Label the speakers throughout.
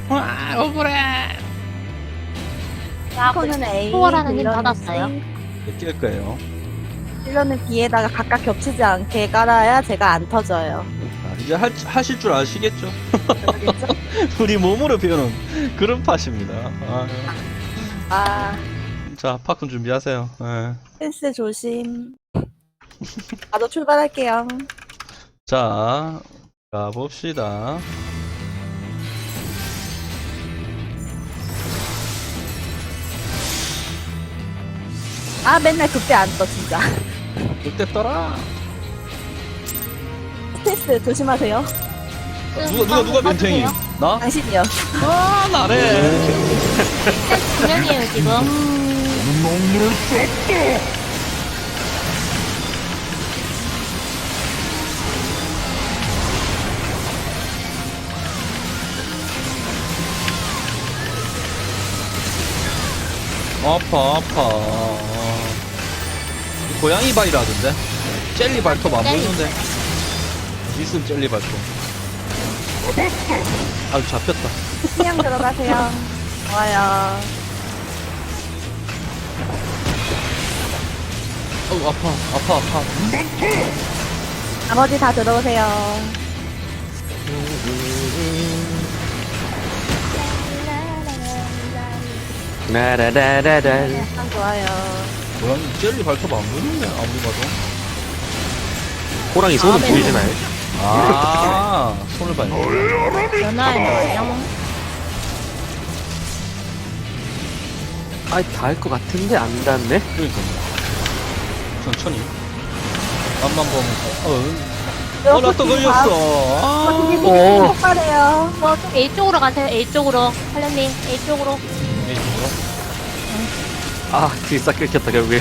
Speaker 1: 와 억울해.
Speaker 2: 이거는 A,
Speaker 3: 초월하는 힘
Speaker 2: 딜러는
Speaker 3: 받았어요.
Speaker 2: C.
Speaker 1: 낄 거예요.
Speaker 2: 딜러는 B에다가 각각 겹치지 않게 깔아야 제가 안 터져요.
Speaker 1: 아, 이제 하실 줄 아시겠죠?
Speaker 2: 알겠죠?
Speaker 1: 우리 몸으로 배우는 그런 팟입니다. 아,
Speaker 2: 아,
Speaker 1: 자, 팝콘 준비하세요. 예.
Speaker 2: 펜스 조심. 나도 출발할게요.
Speaker 1: 자, 가봅시다.
Speaker 2: 아, 맨날 그때 안 떠, 진짜.
Speaker 1: 그때 떠라.
Speaker 2: 펜스 조심하세요.
Speaker 1: 누가 멘탱이? 나?
Speaker 2: 당신이요.
Speaker 1: 아, 나래.
Speaker 3: 분명이에요 지금.
Speaker 1: 아파. 고양이 발이라던데? 젤리 발톱 안 보이는데? 무슨 젤리 발톱? 아유, 잡혔다.
Speaker 2: 그냥 들어가세요. 좋아요.
Speaker 1: 아유, 아파.
Speaker 2: 나머지 다 들어오세요.
Speaker 4: 라라라라라.
Speaker 2: 참 좋아요.
Speaker 1: 고양이 젤리 발톱 안 보이는데? 아무리 봐도.
Speaker 4: 호랑이 손은 보이시나요?
Speaker 1: 아, 손을 봐야 돼.
Speaker 3: 전화해요.
Speaker 4: 아이, 닿을 것 같은데 안 닿네?
Speaker 1: 그러니까요. 천천히. 앞만 보면서. 나 또 걸렸어. 아,
Speaker 2: 이게 폭발해요.
Speaker 3: 좀 A 쪽으로 가세요. A 쪽으로. 할련님 A 쪽으로.
Speaker 1: 이게 뭐야?
Speaker 4: 아, 딜싹 끊겼다, 결국에.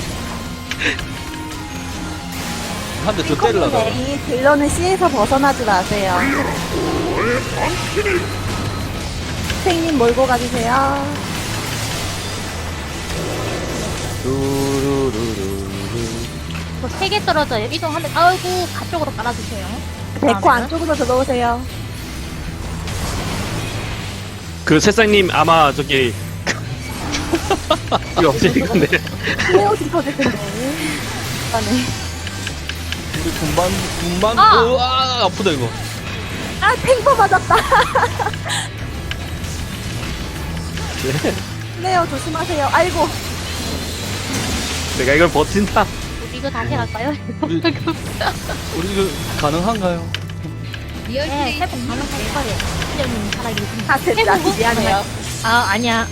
Speaker 1: 한 대 더 때리려다가.
Speaker 2: A, 딜러는 C에서 벗어나지 마세요. 선생님 몰고 가주세요.
Speaker 4: 루루루루루.
Speaker 3: 저 3개 떨어져요. 이동하면 아이고 가쪽으로 깔아주세요.
Speaker 2: 데코 안쪽으로 들어오세요.
Speaker 4: 그 새싹님 아마 저기 이거 없으실 건데.
Speaker 2: 헤어지 터질 텐데. 네.
Speaker 1: 우리 군만,
Speaker 3: 아!
Speaker 1: 으아, 아프다, 이거.
Speaker 2: 아, 탱커 맞았다. 네요, 조심하세요. 아이고.
Speaker 4: 내가 이걸 버틴다.
Speaker 3: 우리 이거 다시 갈까요?
Speaker 1: 우리 이거 가능한가요?
Speaker 3: 네, 회복 가능할 거예요. 할련님 살아계신.
Speaker 2: 다 됐다. 미안해요.
Speaker 3: 아 아니야.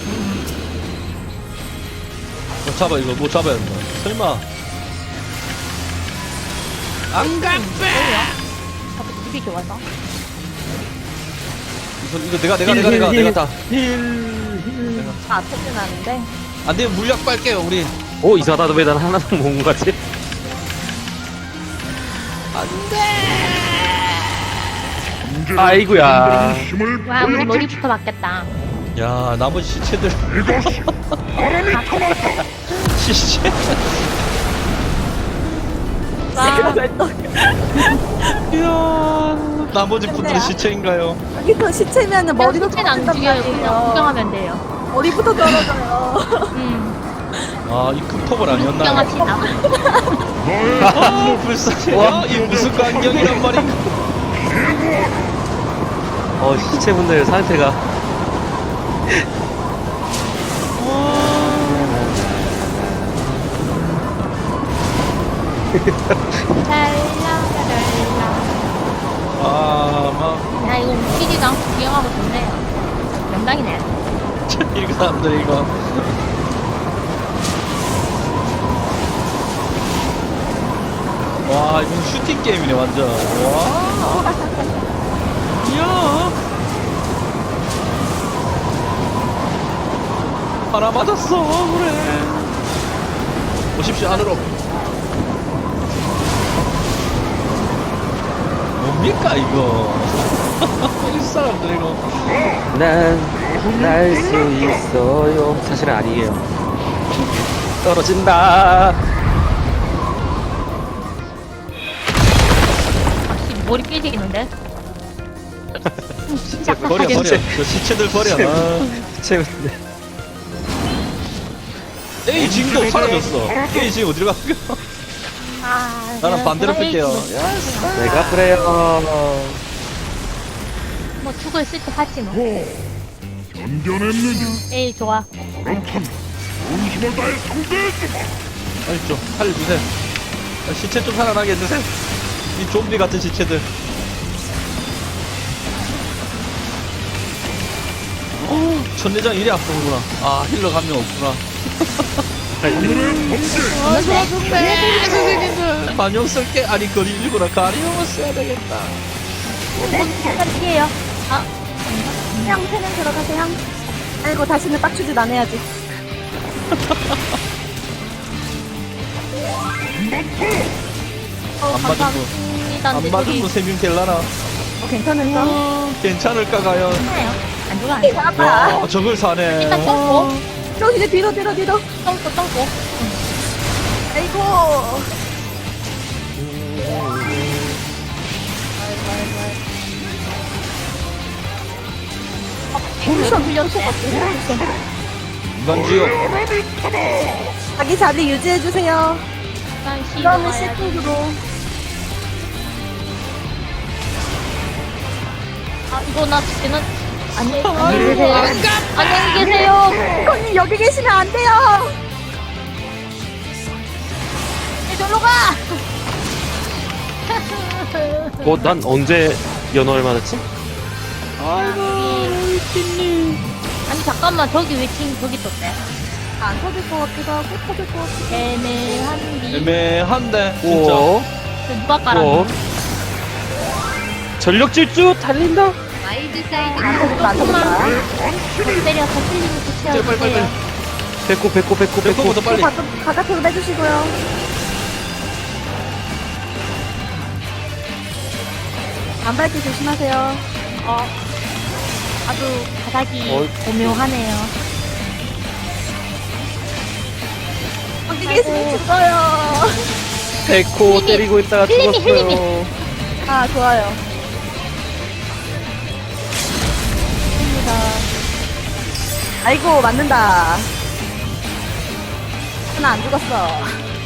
Speaker 1: 잡아, 이거 못 잡아야 된다. 설마. 안 가!
Speaker 3: 저도 집이 좋아서.
Speaker 1: 이거 내가 다.
Speaker 2: 다 터진 않은데.
Speaker 1: 안 되면 물약 빨게요, 우리.
Speaker 4: 오, 이상하다. 왜 난 하나도 못 온 거지? 아이구야.
Speaker 3: 와 우리 머리부터 맞겠다.
Speaker 1: 야, 나머지 시체들. 시체?
Speaker 3: 와
Speaker 1: 이야, 나머지 분들이 시체인가요?
Speaker 2: 여기서 시체면은 머리도
Speaker 3: 시체는 안 죽여요. 그냥 구경하면 돼요.
Speaker 2: 머리부터 떨어져요.
Speaker 1: 아, 이 금토벌 아니었나요?
Speaker 3: 구경합시다.
Speaker 1: 아, 불쌍해. 이 무슨 광경이란 말인가?
Speaker 4: 시체분들 상태가.
Speaker 3: 랄라라랄라.
Speaker 1: 아, 막.
Speaker 3: 야 이거 웃기지도 않고 구경하고 좋네요. 명당이네.
Speaker 1: 이 사람들 이거. 와, 이건 슈팅 게임이네, 완전. 와. 이야. 하나 맞았어, 그래. 오십시오, 안으로. 뭡니까, 이거. 이 사람들 이거.
Speaker 4: 난 날 수 있어요. 사실은 아니에요. 떨어진다.
Speaker 3: 머리 삐지겠는데? 진짜
Speaker 1: 버려 버려. 저 시체들 버려. 아.
Speaker 4: 시체 분들.
Speaker 1: 에이 지금도 사라졌어. 에이 지금 어디로 갔어? 나는 반대로 뺄게요.
Speaker 4: 내가 그래요.
Speaker 3: 뭐 죽을 쓸때 하지 뭐.
Speaker 5: 견뎌냈느냐?
Speaker 3: 에이 좋아.
Speaker 5: 그렇다면 본심을 다해 상대해주마.
Speaker 1: 빨리 좀 살려주세요. 아, 시체 좀 살아나게 해주세요. 이 좀비 같은 시체들. 천내장 이리 아프구나. 아 힐러 한 명 없구나.
Speaker 5: 오늘의 번개.
Speaker 1: 선생님들 반영 쓸게. 아니 거리 일구나. 가리용을 써야 되겠다.
Speaker 3: 잠깐 피해요. 아
Speaker 2: 향 세는 들어가세요. 아이고 다시는 빡추짓 안 해야지.
Speaker 1: 안 맞은 거.
Speaker 3: 감사합니다.
Speaker 1: 안
Speaker 3: 근데
Speaker 1: 맞은
Speaker 3: 저기
Speaker 1: 거 3명 될라나?
Speaker 2: 괜찮은가?
Speaker 1: 괜찮을까 과연?
Speaker 3: 괜찮아요. 안 죽어 안 죽어.
Speaker 2: 아파.
Speaker 1: 와 저걸 사네.
Speaker 3: 일단 똥꼬.
Speaker 2: 뒤로 이제 뒤로.
Speaker 3: 똥꼬.
Speaker 2: 아이고.
Speaker 3: 불션 불렸어.
Speaker 1: 인간지옥.
Speaker 2: 자기 자리 유지해 주세요.
Speaker 3: 일단
Speaker 2: 이거는
Speaker 3: 시도해야지.
Speaker 2: 시팅으로.
Speaker 3: 아 이거 나 죽기는 안녕히 계세요. 안녕히 계세요.
Speaker 2: 언니 여기 계시면 안 돼요.
Speaker 3: 저로 가.
Speaker 4: 난 언제 연어를 맞았지?
Speaker 3: 아니 잠깐만 저기 왜 지금 저기 떴대?
Speaker 2: 안 터질 것 같기도 하고 터질 것 같기도
Speaker 3: 애매한디.
Speaker 1: 애매한데 진짜.
Speaker 4: 오.
Speaker 3: 누가
Speaker 4: 오.
Speaker 3: 깔았니?
Speaker 4: 전력 질주 달린다.
Speaker 2: 하고. 안 터질까?
Speaker 3: 때려서 틀리면
Speaker 1: 빨리 빨리 빨리.
Speaker 3: 고쳐주세요.
Speaker 4: 배꼽.
Speaker 1: 배꼽부터 빨리.
Speaker 2: 바깥으로 빼주시고요. 안 밟기 조심하세요.
Speaker 3: 아주 바닥이
Speaker 4: 어이.
Speaker 3: 오묘하네요.
Speaker 2: 여기 계시면 죽어요.
Speaker 4: 배꼽
Speaker 3: 힐링이-
Speaker 4: 때리고 있다가
Speaker 3: 힐링이-
Speaker 4: 죽었어요.
Speaker 2: 아 좋아요. 좋습니다. 아이고 맞는다. 하나 안 죽었어.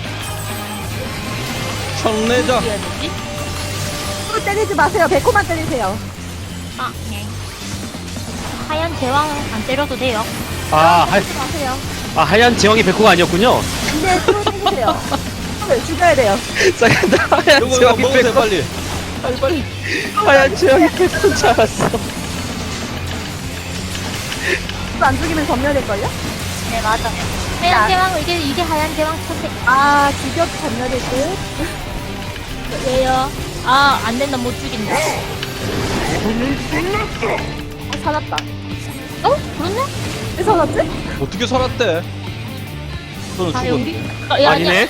Speaker 1: 청내자.
Speaker 3: 뭐였지?
Speaker 2: 또 때리지 마세요. 배코만 때리세요.
Speaker 3: 아, 네. 하얀 제왕 안 때려도 돼요.
Speaker 2: 때리지 마세요.
Speaker 4: 하얀 제왕이 배꼽가 아니었군요.
Speaker 2: 근데 또 때리세요. 또 죽여야 돼요.
Speaker 4: 잠깐만, 하얀
Speaker 1: 이거
Speaker 4: 제왕이
Speaker 1: 먹으세요
Speaker 4: 배꼽.
Speaker 1: 빨리. 빨리.
Speaker 4: 하얀 제왕이 배꼽인 줄 알았어.
Speaker 2: 또 안 죽이면 전멸일걸요?
Speaker 3: 네, 맞아. 하얀 제왕, 이게 하얀 제왕 선택.
Speaker 2: 아 죽여도 전멸일 듯.
Speaker 3: 왜요? 아, 안 된다, 못 죽인다.
Speaker 2: 살았다.
Speaker 3: 어? 그렇네?
Speaker 2: 왜 살았지?
Speaker 1: 어떻게 살았대? 저는
Speaker 3: 아,
Speaker 1: 죽었는데.
Speaker 3: 여기?
Speaker 4: 아니네.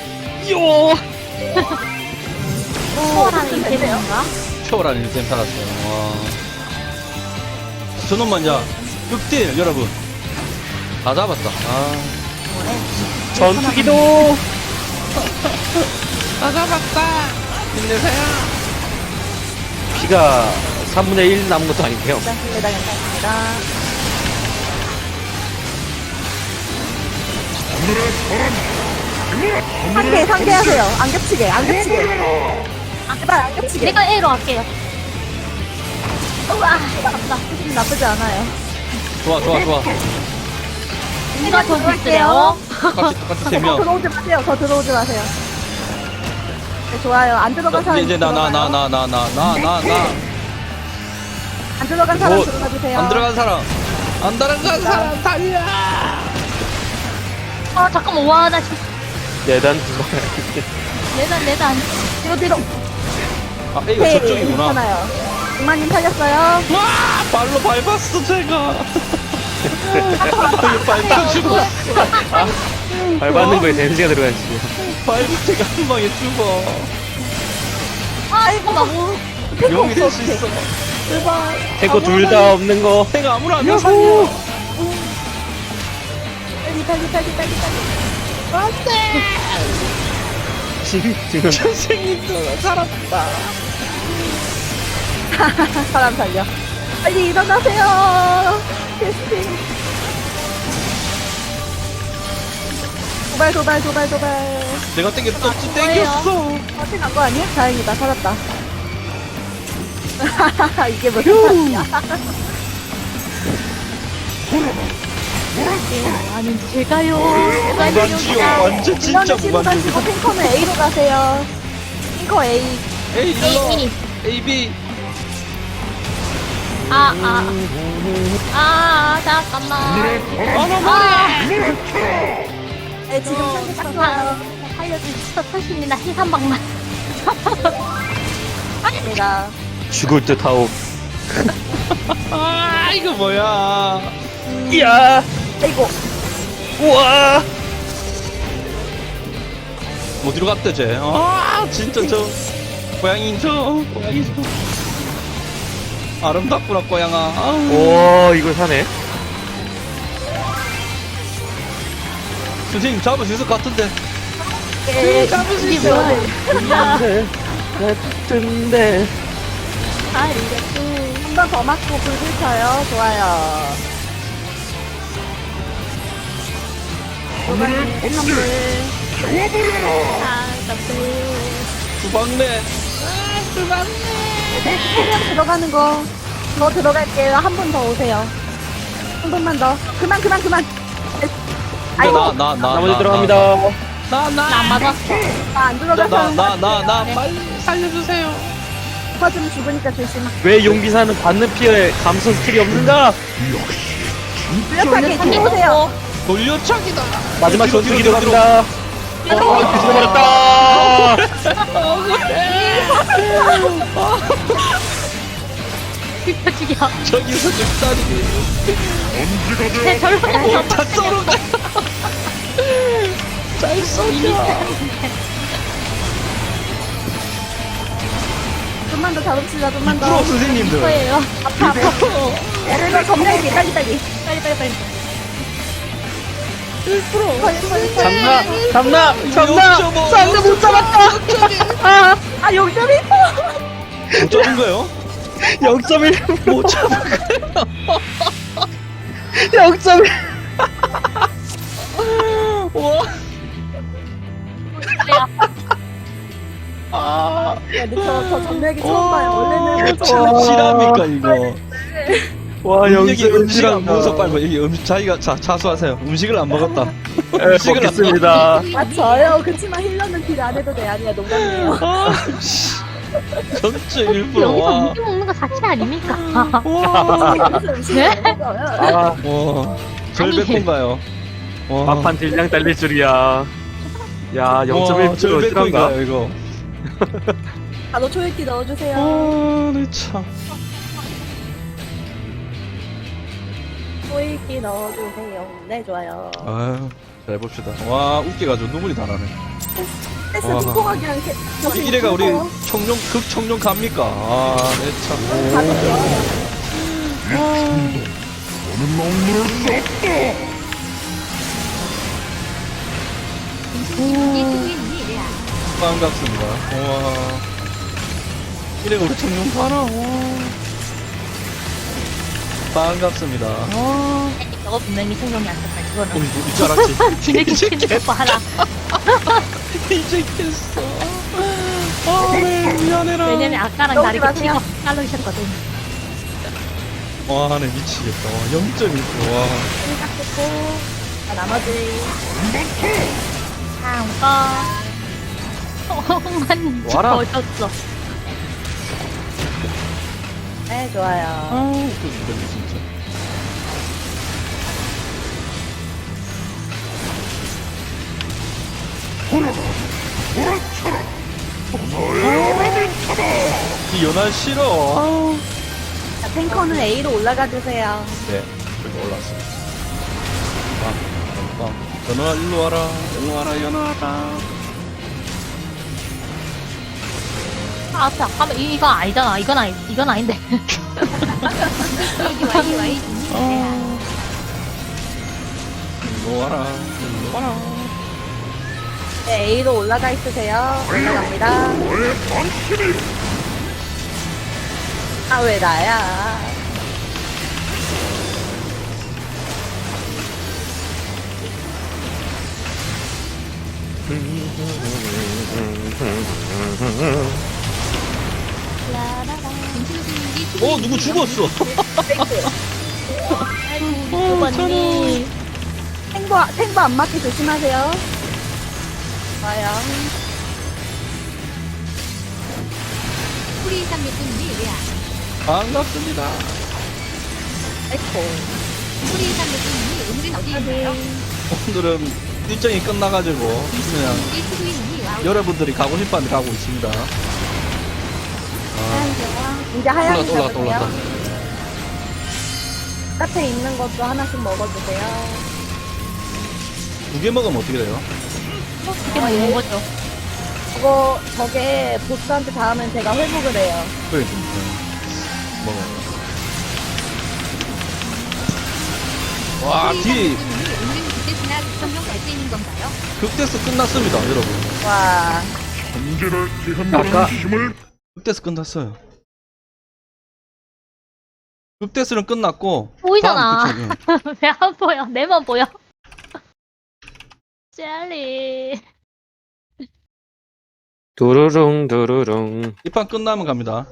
Speaker 3: 초월하는 이템인가?
Speaker 1: 초월한 인생 살았어요. 와. 저놈만 야 극딜 여러분. 다 잡았다. 아.
Speaker 4: 전투기도.
Speaker 1: 다 잡았다. 힘내세요.
Speaker 4: 피가 3분의 1 남은 것도 아닌데요.
Speaker 2: 괜찮습니다. 괜찮습니다. 상대하세요. 안 겹치게. 제발 안 겹치게.
Speaker 3: 내가 A로 할게요. 우와, 아깝다.
Speaker 2: 기분 나쁘지 않아요.
Speaker 1: 좋아.
Speaker 3: 내가 더 볼게요.
Speaker 1: 똑같이 3명.
Speaker 2: 들어오지 마세요. 더 들어오지 마세요. 네, 좋아요. 안 들어간 사람
Speaker 1: 이제 나.
Speaker 2: 안 들어간 사람
Speaker 4: 뭐,
Speaker 2: 들어가 주세요.
Speaker 1: 안 들어간 사람 달려.
Speaker 3: 아, 잠깐만. 와, 나 지금
Speaker 4: 내단
Speaker 3: 내단.
Speaker 2: 뒤로.
Speaker 1: 아 이거 저쪽이구나.
Speaker 2: 괜찮아요. 백만님 살렸어요.
Speaker 1: 와 발로 밟았어 제가. 밟혀 죽었어.
Speaker 4: 밟았는 거에 데미지가 들어가지.
Speaker 1: 밟은 제가 한 방에 죽어.
Speaker 3: 아, 잠깐만. 뭐.
Speaker 1: 용이 될 수 있어.
Speaker 4: 태코 둘 다 없는 거.
Speaker 1: 내가 아무나 안 살려.
Speaker 2: 빨리.
Speaker 4: 지금
Speaker 1: 선생님도 살았다.
Speaker 2: 사람 살려. 빨리 일어나세요. 캐스팅. 도발.
Speaker 1: 내가 땡겼어. 땡겼어.
Speaker 2: 어떻게 간거 아니야? 다행이다. 살았다. 이게 무슨 말이야?
Speaker 3: 아니, 제가요.
Speaker 1: 무반지요. 완전 진짜
Speaker 2: 이거는 C로
Speaker 1: 무반지요.
Speaker 2: 가시고 탱커는 A로 가세요. 탱커 A.
Speaker 1: 에이 일로.
Speaker 3: A.
Speaker 1: A B.
Speaker 3: 잠깐만.
Speaker 2: 네, 지금 현재 딱 좋아요.
Speaker 3: 살려주셔서 사십니다. 힐3방만.
Speaker 2: 내가
Speaker 4: 죽을 듯 하오.
Speaker 1: 아 이거 뭐야?
Speaker 4: 이야!
Speaker 2: 아이고
Speaker 4: 우와!
Speaker 1: 어디로 갔대 쟤? 아 진짜 저 고양이 저. 아름답구나 고양아. 아우.
Speaker 4: 오, 이걸 사네.
Speaker 1: 선생님 잡을 수 있을 것 같은데.
Speaker 2: 잡을 수
Speaker 3: 이게 뭐야?
Speaker 4: 같은데.
Speaker 2: 한 번 더 맞고 불 붙여요. 좋아요.
Speaker 5: 하늘을 번개 태워버려라.
Speaker 1: 두방네.
Speaker 2: 세명 들어가는 거. 더 들어갈게요. 한 분 더 오세요. 한 번만 더. 그만. 아이고,
Speaker 4: 나머지 들어갑니다.
Speaker 3: 안 맞았어.
Speaker 2: 안 들어가서
Speaker 1: 나 빨리 살려주세요.
Speaker 2: 터지면 죽으니까 조심.
Speaker 4: 왜 용기사는 받는 피해 감소 스킬이 없는가?
Speaker 2: 뚜렷하게 뒤로 오세요.
Speaker 1: 돌려차기다.
Speaker 4: 마지막
Speaker 1: 뒤로,
Speaker 4: 전투기
Speaker 1: 뒤로,
Speaker 4: 들어갑니다. 뒤집어버렸다!
Speaker 3: 죽여.
Speaker 1: 저기서 늑다리.
Speaker 5: 언제가
Speaker 3: 내 절반에서
Speaker 1: 다 썰어가. 잘 썰려.
Speaker 2: 좀만 더 잡읍시다. 좀만 더.
Speaker 1: 프로 선생님들.
Speaker 3: 거예요.
Speaker 2: 아파. 그래서 점령기 빨리.
Speaker 3: 빨리.
Speaker 4: 잡나!
Speaker 1: 못 잡았다.
Speaker 2: 아, 용점이 있어.
Speaker 1: 못 잡은 거요?
Speaker 4: 0.1.
Speaker 1: 못 잡은 거요?
Speaker 4: 0.1.
Speaker 1: 와. 아.
Speaker 2: 야, 근데 저 점령기 처음 봐요. 원래는 못 잡아요.
Speaker 1: 실합니까 이거?
Speaker 4: 와,
Speaker 1: 여기 음식 안
Speaker 4: 0.1이란다.
Speaker 1: 먹어서 빨리 여기 자기가 자수하세요. 음식을 안 먹었다.
Speaker 4: 네,
Speaker 1: 음식을 안
Speaker 4: 먹겠습니다.
Speaker 2: 아, 저요. 그치만 힐러는 딜 안 해도 돼. 아니야, 농담이에요.
Speaker 1: 아, 씨. 전체 일부러
Speaker 3: 여기서
Speaker 1: 와.
Speaker 3: 음식 먹는 거 자체 아닙니까?
Speaker 1: 와.
Speaker 2: 그래서 음식을
Speaker 3: 네?
Speaker 2: 안 먹어요.
Speaker 4: 아,
Speaker 1: 와. 절백인가요? 와.
Speaker 4: 막판 딜량 딸릴 줄이야. 야, 0.1% 실한가?
Speaker 1: 절백인가요 이거?
Speaker 2: 바로 초읽기 넣어주세요.
Speaker 1: 네 참.
Speaker 2: 초읽기 넣어주세요. 네, 좋아요.
Speaker 1: 아유, 잘 봅시다. 와, 웃겨가지고 눈물이 다 나네.
Speaker 2: 패스
Speaker 1: 와.
Speaker 2: 통통하게 않게.
Speaker 1: 이래가 우리 극청룡 갑니까? 아, 네 참.
Speaker 2: 가볼게요.
Speaker 5: 너는 먹물을 수 없다.
Speaker 1: 반갑습니다. 와. 이래가 우리 청룡 가나? 와. 반갑습니다.
Speaker 3: 저거 분명히 생존이 안 됐다. 그거는.
Speaker 1: 우리 줄 알았지?
Speaker 3: 지네기 치는 거 봐라.
Speaker 1: 이제 깼어. 아, 네, 미안해라.
Speaker 3: 왜냐면 아까랑
Speaker 2: 너무
Speaker 3: 다르게
Speaker 2: 마세요.
Speaker 3: 피가 깔르셨거든.
Speaker 1: 와, 네, 미치겠다. 와, 0.1%. 와.
Speaker 2: 생각했고. 자, 나머지.
Speaker 3: 다음거. 만
Speaker 4: 와라.
Speaker 3: 졌어.
Speaker 2: 네, 좋아요.
Speaker 1: 아, 웃겨진다, 진짜. 이 연할 싫어. 아우.
Speaker 2: 자, 탱커는 A로 올라가 주세요.
Speaker 1: 네, 여기 올라왔어. 연아, 일로 와라. 일로 와라, 연아라.
Speaker 3: 아, 잠깐만. 이거 아니잖아. 이건 아닌데. 이기 와.
Speaker 1: 일로 와라. 일로 와라.
Speaker 2: 네, A로 올라가 있으세요. 올라갑니다.
Speaker 5: 왜 당신이
Speaker 2: 아, 왜 나야?
Speaker 1: 누구 죽었어?
Speaker 3: 누구니?
Speaker 2: 탱보 안 맞게 조심하세요. 좋아요.
Speaker 6: 프리 360이 왜안
Speaker 1: 반갑습니다.
Speaker 2: 에코.
Speaker 6: 프리 360이 오늘은 어디 있나요?
Speaker 1: 오늘은 일정이 끝나가지고 그냥
Speaker 6: 이 수구인이 와우.
Speaker 1: 여러분들이 가고 싶었는데 가고 있습니다.
Speaker 2: 하얀색. 이제 하얀색
Speaker 1: 올라왔다.
Speaker 2: 잡으세요. 카페에 있는 것도 하나씩 먹어주세요.
Speaker 1: 2개 먹으면 어떻게 돼요?
Speaker 3: 이게 먹는 거죠.
Speaker 2: 저게 보스한테 닿으면 제가 회복을 해요.
Speaker 1: 그래, 먹어요. 와,
Speaker 6: 프리
Speaker 1: 뒤
Speaker 6: 360이 오늘은 그때나 대통령 갈 수 있는 건가요?
Speaker 1: 극대스 끝났습니다, 여러분.
Speaker 2: 와.
Speaker 5: 천재를 제한하는
Speaker 4: 아까-
Speaker 5: 힘을
Speaker 1: 극대스 끝났어요. 극대스는 끝났고
Speaker 3: 보이잖아.
Speaker 1: 다음 극대는
Speaker 3: 왜 안 보여? 내만 보여. 젤리.
Speaker 4: 두루룽 두루룽.
Speaker 1: 이 판 끝나면 갑니다.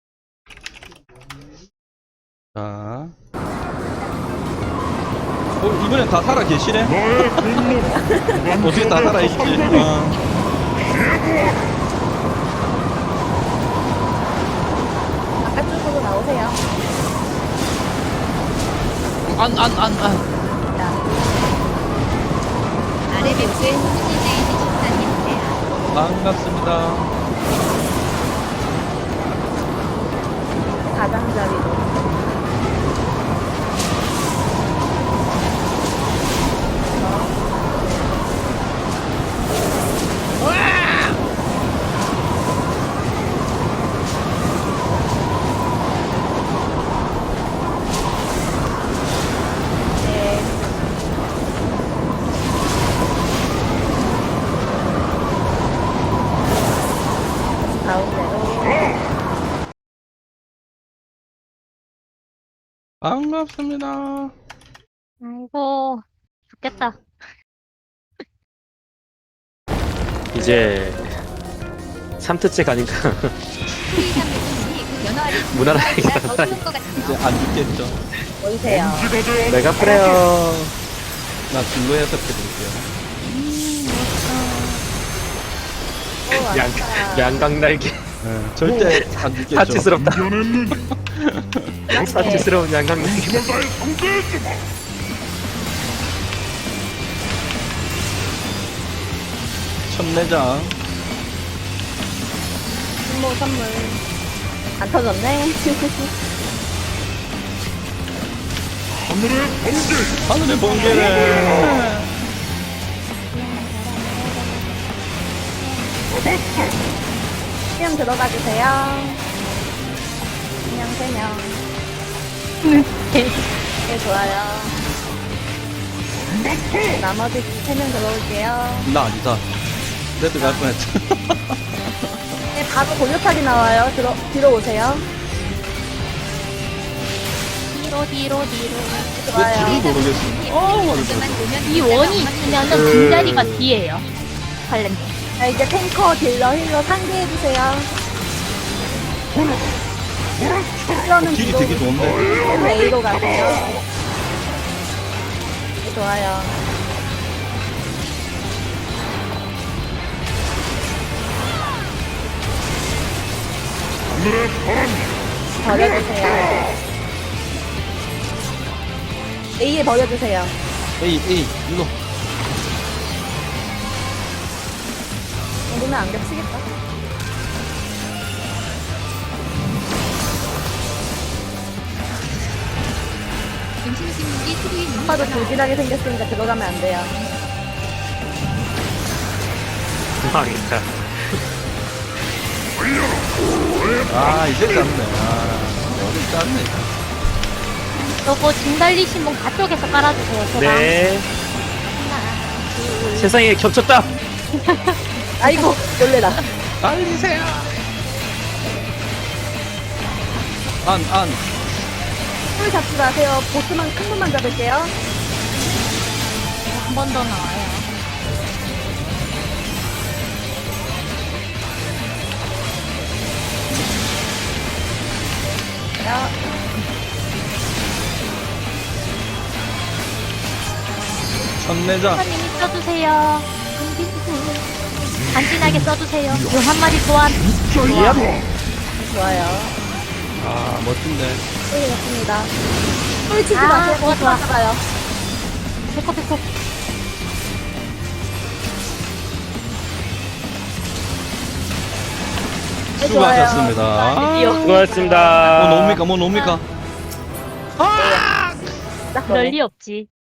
Speaker 1: 자, 이번엔 다 살아 계시네?
Speaker 5: 나의 분노
Speaker 1: 어떻게 다 살아 계시지?
Speaker 2: 바깥쪽으로 나오세요.
Speaker 1: 안.
Speaker 6: 아래 배치에 CJC 집사님이세요.
Speaker 1: 반갑습니다.
Speaker 2: 가장자리로. 네. 가운데로.
Speaker 1: 반갑습니다.
Speaker 3: 아이고, 죽겠다.
Speaker 4: 이제 3트째 가니까
Speaker 6: 프리 360이 그 연어 아래
Speaker 4: 무난하게
Speaker 6: 더 좋을 것
Speaker 1: 이제
Speaker 6: 같아요.
Speaker 1: 안 죽겠죠?
Speaker 2: 보이세요.
Speaker 5: 지가 되어
Speaker 4: 내가 뿌려요.
Speaker 1: 나 진로 해석해드릴게요.
Speaker 4: 양강 날개.
Speaker 1: 절대 안 죽겠죠?
Speaker 4: 사치스럽다.
Speaker 5: 견했느니
Speaker 4: 사치스러운 양강 날개.
Speaker 5: 힘을 다해 상대해주마.
Speaker 1: 첫내장.
Speaker 2: 선물. 안 터졌네.
Speaker 5: 하늘의 번개
Speaker 1: 하늘의 번개를.
Speaker 2: 수영 들어가 주세요. 그냥 3명. 네, 좋아요. 나머지 3명 들어올게요.
Speaker 1: 나 아니다. 레드 갈 뻔했죠.
Speaker 2: 네, 바로 골격하기 나와요. 뒤로 오세요.
Speaker 3: 뒤로.
Speaker 1: 왜
Speaker 2: 좋아요.
Speaker 1: 뒤를 모르겠어.
Speaker 6: 먼저만 보면
Speaker 3: 이 원이 있으면은 빈자리가 뒤에요. 관련돼.
Speaker 2: 자, 이제 탱커, 딜러, 힐러 상대해주세요. 힐러는
Speaker 1: 딜이
Speaker 2: 뒤로
Speaker 1: 되게 좋은데.
Speaker 2: A로 가세요. 네, 좋아요.
Speaker 5: 하늘의 바람
Speaker 2: 버려주세요. A에 버려주세요.
Speaker 1: 에이, 일로.
Speaker 2: 정도면 안 겹치겠다.
Speaker 6: 김신식이 수구인이
Speaker 2: 오빠도 조진하게 생겼으니까 들어가면 안 돼요.
Speaker 4: 망했다.
Speaker 1: 아, 이제 짰네. 여기 짰네.
Speaker 3: 요거 진 달리신 분 가쪽에서 깔아주세요. 제가.
Speaker 4: 네. 세상에 겹쳤다.
Speaker 2: 아이고, 놀래라.
Speaker 1: 달리세요. 안.
Speaker 2: 풀 잡지 마세요. 보스만, 큰 분만 잡을게요.
Speaker 3: 한 번 더 나와요.
Speaker 2: 좋아요.
Speaker 1: 천내장.
Speaker 3: 선생님이 써주세요. 간지나게 써주세요. 그 한 마리 소환.
Speaker 2: 좋아요.
Speaker 1: 아, 멋진데.
Speaker 2: 네, 맞습니다. 꿀치지
Speaker 3: 아,
Speaker 2: 마세요.
Speaker 3: 좋아, 좋아.
Speaker 2: 좋아요.
Speaker 3: 배꼽 배꼽.
Speaker 1: 수고하셨습니다.
Speaker 2: 드디어.
Speaker 4: 수고하셨습니다.
Speaker 1: 뭐 놉니까? 뭐 놉니까?
Speaker 3: 그럴 리 없지.